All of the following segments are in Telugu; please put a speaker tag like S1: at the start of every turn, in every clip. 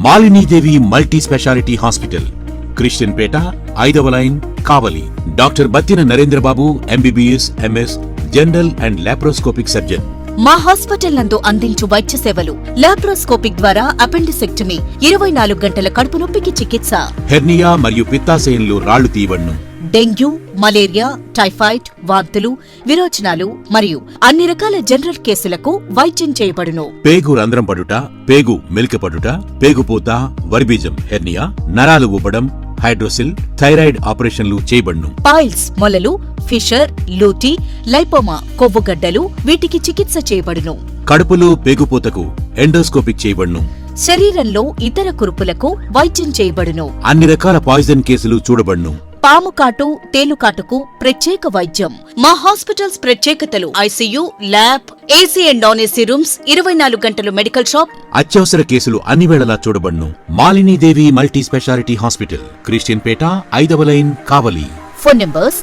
S1: Malinidevi multi speciality hospital, Christian Peta, 5వ line, Kavali. Doctor Battina Narendrababu, MBBS, MS, general and laparoscopic surgeon.
S2: మా హాస్పిటల్ నందు అందించు వైద్య సేవలు: లాప్రోస్కోపిక్ ద్వారా అపెండిసెక్టమీ, 24 గంటల కడుపు నొప్పికి చికిత్స,
S1: హెర్నియా మరియు పిత్తాశయంలో రాళ్లు తీయబడును,
S2: డెంగ్యూ, మలేరియా, టైఫాయిడ్, వాంతులు, విరోచనాలు మరియు అన్ని రకాల జనరల్ కేసులకు వైద్యం చేయబడును.
S1: పేగు రంధ్రం పడుట, పేగు మెలికపడుట, పేగుపూత, వర్బీజం, హెర్నియా, నరాలు ఊపడం, హైడ్రోసిల్, థైరాయిడ్ ఆపరేషన్లు చేయబడును.
S2: పైల్స్, మొలలు, ఫిషర్, లూటీ, లైపోమా, కొవ్వుగడ్డలు వీటికి చికిత్స చేయబడును.
S1: కడుపులో పేగుపూతకు ఎండోస్కోపిక్ చేయబడును.
S2: శరీరంలో ఇతర కురుపులకు వైద్యం చేయబడును.
S1: అన్ని రకాల పాయిజన్ కేసులు చూడబడును.
S2: పాము కాటు, తేలుకాటుకు ప్రత్యేక వైద్యం. మా హాస్పిటల్స్ ప్రత్యేకతలు: ICU, lab, AC and non AC rooms, 24 గంటలు మెడికల్ షాప్.
S1: అత్యవసర కేసులు అన్ని వేళలా చూడబడును. Malinidevi multi speciality hospital, Christian Peta, 5వ లైన్, కావలి.
S2: ఫోన్ నంబర్స్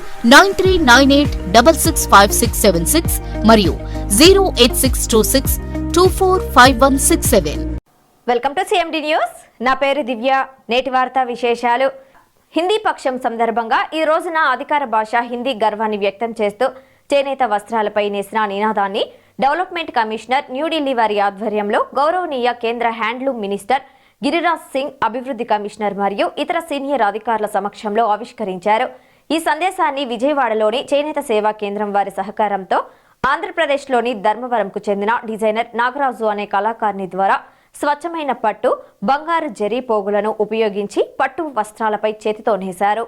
S2: 9398665676 మరియు 08626245167.
S3: Welcome to CMD news. నా పేరు దివ్య. నేటి వార్తా విశేషాలు. హిందీ పక్షం సందర్భంగా ఈ రోజున అధికార భాష హిందీ గర్వాన్ని వ్యక్తం చేస్తూ చేనేత వస్త్రాలపై నేసిన నినాదాన్ని డెవలప్మెంట్ కమిషనర్ న్యూఢిల్లీ వారి ఆధ్వర్యంలో గౌరవనీయ కేంద్ర హ్యాండ్లూమ్ మినిస్టర్ గిరిరాజ్ సింగ్, అభివృద్ధి కమిషనర్ మరియు ఇతర సీనియర్ అధికారుల సమక్షంలో ఆవిష్కరించారు. ఈ సందేశాన్ని విజయవాడలోని చేనేత సేవా కేంద్రం వారి సహకారంతో ఆంధ్రప్రదేశ్లోని ధర్మవరంకు చెందిన డిజైనర్ నాగరాజు అనే కళాకారుని ద్వారా స్వచ్ఛమైన పట్టు, బంగారు జరీ పోగులను ఉపయోగించి పట్టు వస్త్రాలపై చేతితో నేశారు.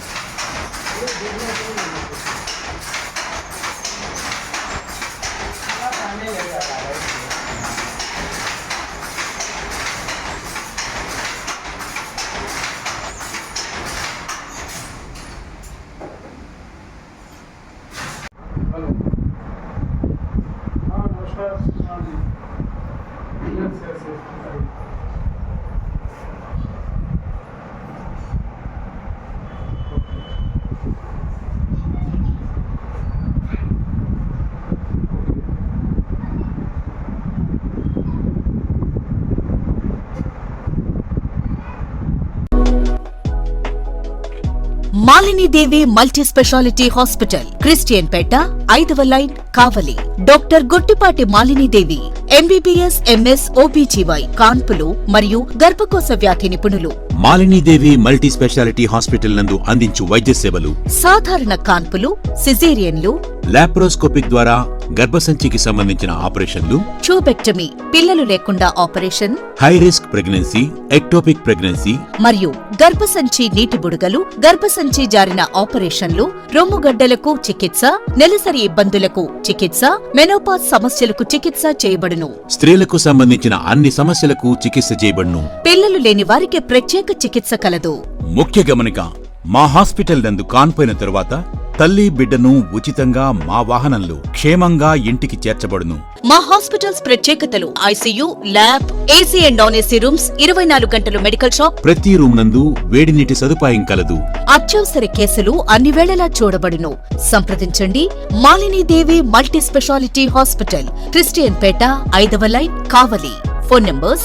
S2: Malinidevi multi speciality hospital, Christian Peta, 5వ line, Kavali. Doctor Gottipati Malinidevi, MBBS, MS, OBGY, కాన్పులు మరియు గర్భకోశ వ్యాధి నిపుణులు.
S1: మాలినీదేవి మల్టీ స్పెషాలిటీ హాస్పిటల్ నందు అందించు వైద్య సేవలు:
S2: సాధారణ కాన్పులు, సిజేరియన్లు,
S1: లాప్రోస్కోపిక్ ద్వారా గర్భసంచికి సంబంధించిన ఆపరేషన్లు,
S2: ట్యూబెక్టమీ, పిల్లలు లేకుండా operation,
S1: high risk pregnancy, ectopic pregnancy
S2: మరియు గర్భసంచి నీటి బుడగలు, గర్భసంచి జారిన ఆపరేషన్లు, రొమ్ముగడ్డలకు చికిత్స, నెలసరి ఇబ్బందులకు చికిత్స, మెనోపాజ్ సమస్యలకు చికిత్స చేయబడును.
S1: స్త్రీలకు సంబంధించిన అన్ని సమస్యలకు చికిత్స చేయబడును.
S2: పిల్లలు లేని వారికి ప్రత్యేక చికిత్స కలదు.
S1: ముఖ్య గమనిక: మా హాస్పిటల్ నందు కాన్పోయిన తరువాత తల్లి, బిడ్డను ఉచితంగా మా వాహనంలో క్షేమంగా ఇంటికి చేర్చబడును.
S2: మా హాస్పిటల్స్ ప్రత్యేకతలు: ICU, lab, AC and non AC rooms, 24 గంటలు మెడికల్ షాప్.
S1: ప్రతి రూమ్ నందు వేడి నీటి సదుపాయం కలదు.
S2: అత్యవసర కేసులు అన్ని వేళలా చూడబడును. సంప్రదించండి. Malinidevi multi speciality hospital, Christian Peta, 5వ లైన్, కావలి. ఫోన్ నంబర్స్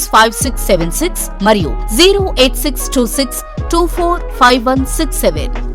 S2: 9398665676 మరియు 08626245167.